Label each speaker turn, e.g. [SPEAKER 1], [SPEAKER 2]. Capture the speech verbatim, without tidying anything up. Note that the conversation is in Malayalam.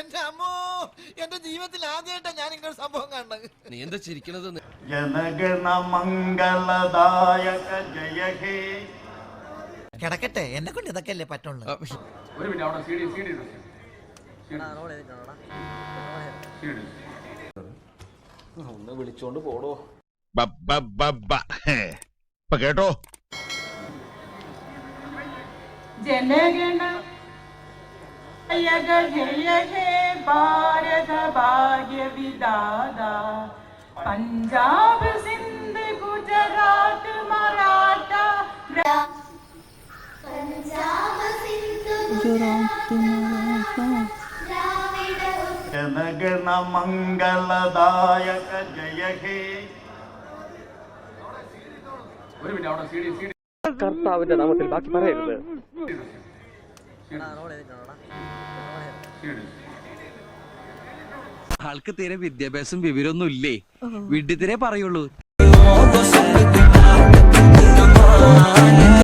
[SPEAKER 1] എന്റെ അമ്മോ, എന്റെ ജീവിതത്തിൽ ആദ്യമായിട്ടാ ഞാൻ ഇങ്ങനെ സംഭവം കാണുന്നത്.
[SPEAKER 2] നീ എന്താ ചിരിക്കണത്?
[SPEAKER 3] ജനഗണ മംഗളദായക ജയ ഹേ.
[SPEAKER 1] കിടക്കട്ടെ, എന്നെ കൊണ്ട് ഇതൊക്കെ അല്ലേ പറ്റുള്ളൂ.
[SPEAKER 4] ഒരു മിനിറ്റ് അവിടെ സി ഡി സി ഡി
[SPEAKER 2] ഒന്ന് വിളിച്ചോണ്ട് പോടോ.
[SPEAKER 5] കേട്ടോ
[SPEAKER 6] ജനഗണ ജയ ഹേ ഭാരത ഭാഗ്യ വിദാത പഞ്ചാബ് സിന്ധ് ഗുജറാത്ത് മറാഠ
[SPEAKER 3] ജനഗണ മംഗളദായക ജയ ഹേ.
[SPEAKER 4] ഒരു മിനിറ്റ് അവിടെ സി ഡി സി ഡി
[SPEAKER 7] കർത്താവിന്റെ നാമത്തിൽ ബാക്കി പറയരുത്.
[SPEAKER 2] ആൾക്ക് തീരെ വിദ്യാഭ്യാസം വിവരമൊന്നും ഇല്ലേ? വിഡ്ഢിത്തിരെ പറയുള്ളൂ.